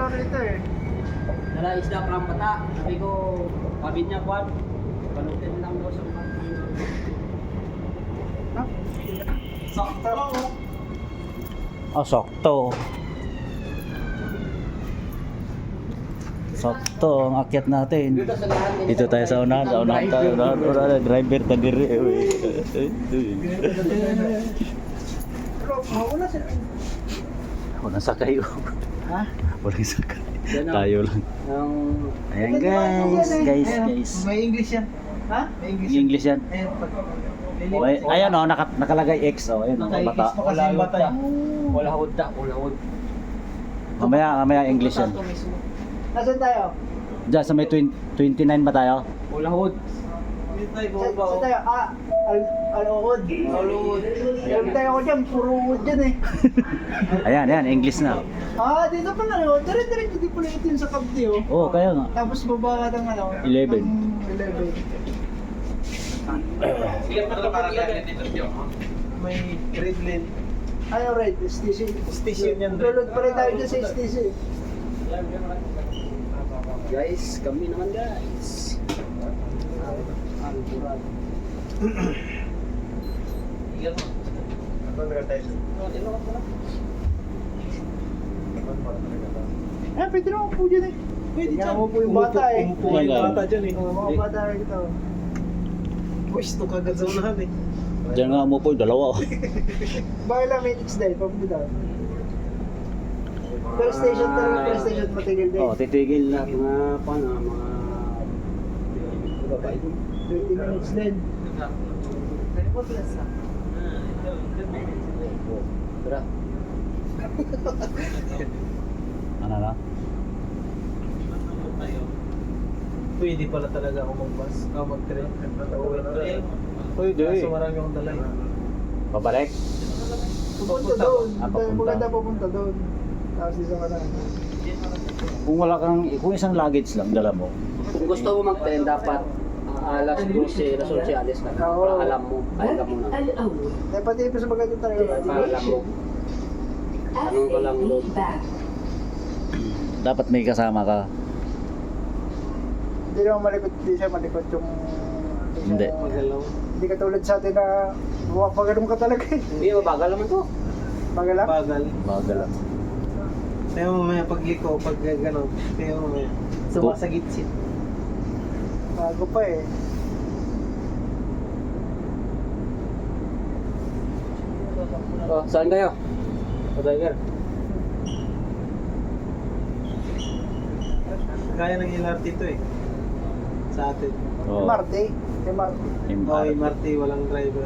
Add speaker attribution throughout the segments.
Speaker 1: pala rito eh.
Speaker 2: Dala isda from bata. Sabi ko, pabid niya kwan. Panutin lang daw sa mga.
Speaker 1: Ha? Sakto.
Speaker 3: Oh, sakto. Sakto ang akyat natin.
Speaker 2: Dito sa lahat.
Speaker 3: Dito tayo sa unahan, tayo. Driver ta diri.
Speaker 1: Pero mauna siya.
Speaker 3: Walang sakay.
Speaker 1: Ha?
Speaker 3: Walang sakay.
Speaker 2: Yan ang-
Speaker 3: Tayo lang.
Speaker 2: Ang
Speaker 3: Ayan guys.
Speaker 1: May English yan. Ha? May English.
Speaker 3: English yan.
Speaker 1: Ayan, pag...
Speaker 3: Oh, ayan oh, nakalagay X oh, ayun oh, bata.
Speaker 1: Naka-X pa kasi yung bata.
Speaker 2: wala hod da, wala hod.
Speaker 3: Mamaya English yan.
Speaker 1: Nasaan tayo?
Speaker 3: Diyan sa may 29 ba tayo?
Speaker 2: Wala hod.
Speaker 1: Saan tayo? Al-Uod. Sabi tayo ako dyan, puro uod dyan eh.
Speaker 3: Ayan, English na.
Speaker 1: Dito pa na yun. Dire-diretso di pala ito yung sa Cavite oh.
Speaker 3: Oh, kaya nga.
Speaker 1: Tapos baba ka ng ano?
Speaker 3: 11.
Speaker 1: ng 11.
Speaker 4: May red lane.
Speaker 1: Ano red? Station.
Speaker 4: Station yan, red.
Speaker 1: Lulod pa rin tayo dyan sa station.
Speaker 2: Guys, kami naman guys.
Speaker 4: Ano tayo?
Speaker 1: Pwede naman po dyan eh.
Speaker 4: Pwede
Speaker 1: Tingnan
Speaker 4: dyan.
Speaker 1: mo po yung bata eh.
Speaker 4: Umupo yung bata dyan eh.
Speaker 1: Mga bata rin ito.
Speaker 4: Pwesto kagad sa unahan eh.
Speaker 3: Diyan nga mo po, dalawa oh.
Speaker 1: Bakit lang minutes dahil, papunta doon. Pero station talaga, pero station matigil din.
Speaker 3: Oh, titigil na.
Speaker 2: Mga paano, mga
Speaker 1: 20 minutes din.
Speaker 2: Tara.
Speaker 3: Ano na?
Speaker 4: Pwede pala talaga ako mag-bus. Mag-train.
Speaker 3: Pwede.
Speaker 4: Kaso marami akong dalay.
Speaker 3: Pabalik?
Speaker 1: Pupunta doon.
Speaker 3: papunta.
Speaker 1: Maganda pupunta doon. Tapos isa ka na.
Speaker 3: Kung isang luggage lang dala mo.
Speaker 2: Kung gusto mo mag-train, dapat alas 12, alas 11 alis ka na.
Speaker 1: Oo.
Speaker 2: Para alam mo na.
Speaker 1: Eh, pati pa sa maganda talaga.
Speaker 2: Para alam mo. Anong ko lang load.
Speaker 3: Dapat may kasama ka.
Speaker 1: Hindi naman malikot, hindi siya malikot yung...
Speaker 3: Hindi.
Speaker 4: Magalaw.
Speaker 1: Hindi ka tulad sa atin na mapagalong ka talaga eh.
Speaker 2: Hindi, mabagal naman to.
Speaker 1: Magalang?
Speaker 4: Bagal.
Speaker 3: Bagal lang.
Speaker 4: Kaya mamaya pagliko, pag gano'n. Kaya mamaya. Sumasagitsit.
Speaker 1: Bago pa eh.
Speaker 2: Oh, saan kayo? Driver.
Speaker 4: Kaya ng LRT to eh. Sa atin.
Speaker 3: Oh.
Speaker 1: MRT. MRT.
Speaker 4: Oh, MRT, walang driver.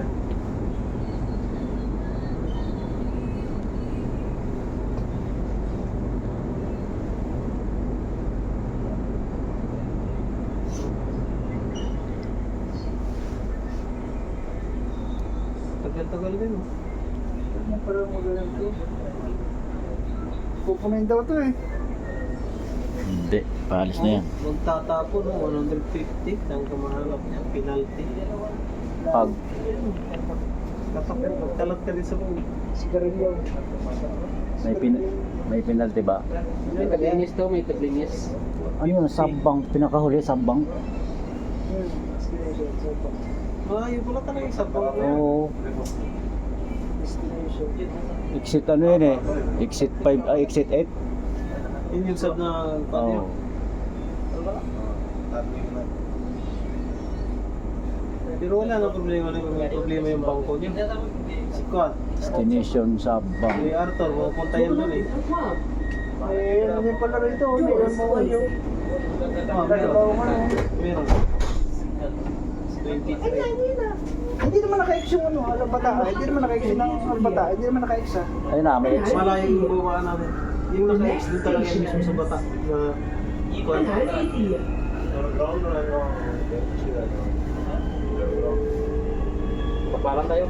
Speaker 4: Tagal-tagal din oh.
Speaker 1: Parang magalang to. Pupunin daw to eh.
Speaker 3: Hindi, paalis na yan.
Speaker 4: Magtatapon no, 150 ang kamahalap niya, penalty.
Speaker 3: Pag
Speaker 4: Kapag magkalat ka din sa buong.
Speaker 1: Sigarilyo.
Speaker 3: may penalty ba?
Speaker 2: May taglinis to, may taglinis.
Speaker 3: Ano yun, sabbang, pinakahuli, sabbang.
Speaker 1: Destination. So,
Speaker 4: Yun pala talaga yung sabang.
Speaker 3: Oo.
Speaker 1: destination.
Speaker 3: Exit ano yun eh? Exit 5, exit 8?
Speaker 4: Yun yung sab na
Speaker 3: Oo.
Speaker 4: Pero wala na problema na may problema yung bangko niya. Si Kwan.
Speaker 3: Destination sabbang.
Speaker 4: Si Arthur, pupunta yan doon eh.
Speaker 1: Eh, ano din pala rito. Meron mo kayo. Dalawa mo ano.
Speaker 4: Meron. 23.
Speaker 1: Hindi naman naka-X yung ano, Albata. Hindi naman naka-X yung Albata. Hindi naman naka-X ah.
Speaker 3: Ayun na, may exit.
Speaker 4: Malayo yung bumaba namin. Yung naka-X doon talaga yung mismo sa bata. Na Kwan.
Speaker 2: Papalan tayo.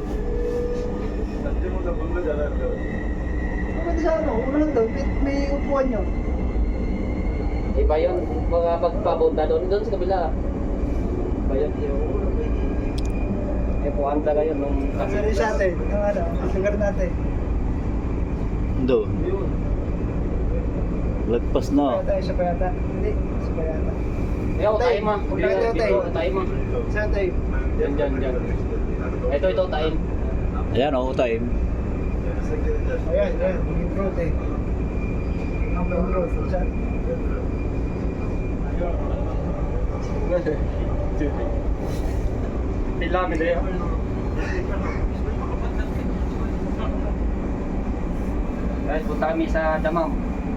Speaker 1: Pwede sa ano, unahan doon. May upuan nyo.
Speaker 2: Iba yun, mga pagpapunta doon sa kabila. Iba yun. Eh, puwanta kayo nung...
Speaker 1: Kasi rin sa atin. Yung ano, ang lugar natin.
Speaker 3: Doon.
Speaker 4: Yun.
Speaker 3: Lagpas na.
Speaker 1: Isa pa yata. Hindi, isa pa yata.
Speaker 2: Ikaw, tayo mo.
Speaker 1: Tayo, tayo, tayo.
Speaker 2: Tayo mo.
Speaker 1: Saan tayo?
Speaker 2: Diyan. Ito, tayo.
Speaker 3: Ayan o, time.
Speaker 1: Ayan, yung road eh. Ang road, saan?
Speaker 2: Pila, medyo. Guys, punta kami sa Damam.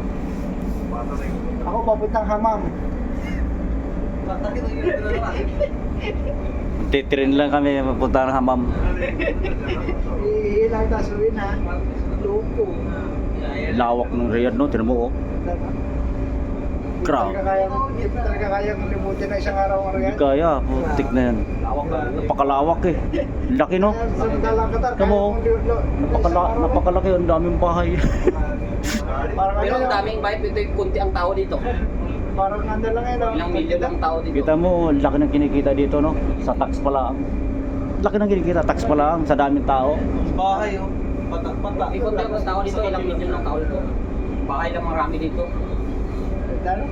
Speaker 1: Ako papuntang Hamam.
Speaker 3: Titrin lang kami mapunta ng Hamam.
Speaker 1: Iilang tasuin ha. Loko.
Speaker 3: Lawak ng Riyadh no, tinan mo oh. Crowd.
Speaker 1: Hindi talaga kayang limutin na isang araw ang
Speaker 3: Hindi
Speaker 1: Riyadh.
Speaker 3: kaya, putik na yan. Napakalawak eh. Laki no?
Speaker 1: Samantalang Qatar,
Speaker 3: Tama mo,
Speaker 1: kaya mong
Speaker 3: napakalaki, ang daming bahay.
Speaker 1: Parang
Speaker 2: Pero
Speaker 1: ano
Speaker 2: ang daming vibe, ito yung kunti ang tao dito.
Speaker 1: Parang ano lang yan.
Speaker 2: Ilang milyon ang tao dito.
Speaker 3: Kita mo, laki ng kinikita dito no? Sa tax pa lang. Laki ng kinikita, tax pa lang, sa daming tao.
Speaker 4: Bahay oh. Patak-patak.
Speaker 2: May kunti ang tao dito, ilang milyon ang tao dito. Bahay lang marami dito.
Speaker 1: Dalo?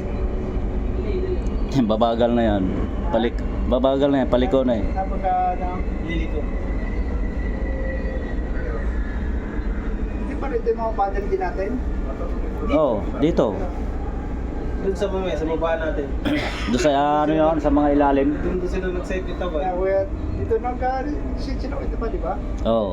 Speaker 3: Babagal na yan. Babagal na yan, paliko na eh.
Speaker 1: Napagka,
Speaker 4: Liliko.
Speaker 1: hindi pa rin ito yung mga paddle din natin.
Speaker 3: Oo, dito.
Speaker 4: Doon sa mamaya, sa baba natin.
Speaker 3: Doon sa ano yun, sa mga ilalim.
Speaker 4: Doon sila nag-save ito ba?
Speaker 1: Kaya kuya, dito nagka-sit ito pa, di ba?
Speaker 3: Oo.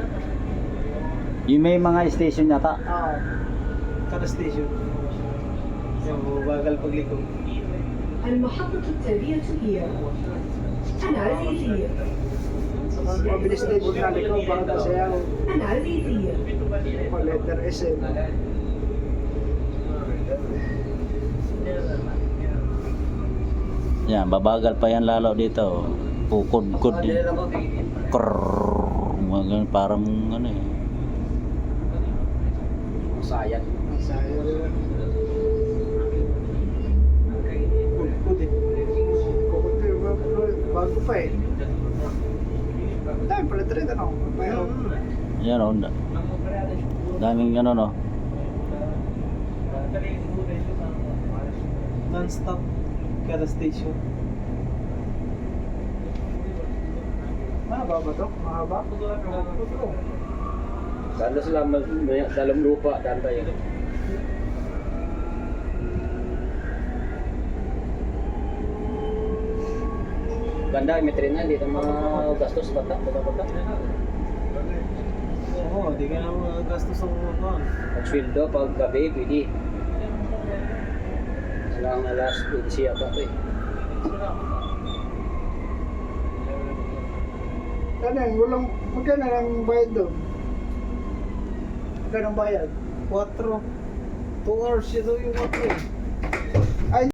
Speaker 3: Yung may mga station yata.
Speaker 1: Oo.
Speaker 4: Kada station. Yung bagal pagliko.
Speaker 5: المحطة التالية هي العزيزية
Speaker 1: Mabilis din yung naliko para sa
Speaker 5: العزيزية
Speaker 1: letter S.
Speaker 3: Yan, babagal pa yan lalo dito. Pukod-kod din. Krrrr. Mga ganun, parang ano eh.
Speaker 2: Sayang.
Speaker 4: Good eh.
Speaker 1: Bago pa eh. Dahil pala trade ano. Pero
Speaker 3: Yan o. Daming ano no.
Speaker 4: Non-stop kada station.
Speaker 1: mahaba ba ito? Mahaba?
Speaker 2: Dalo sila dalam lupa, danda yun. Ganda, may train na, hindi na mga gastos bata.
Speaker 4: Oo, di ka na magagastos ang mga kuhan.
Speaker 2: Pag-sweldo, pag gabi, pwede. Alang alas 12 yata ito eh.
Speaker 1: Tanang, walang, magkano ang bayad doon? Magkano ang bayad?
Speaker 4: 4. 2 hours yun yung 4 eh.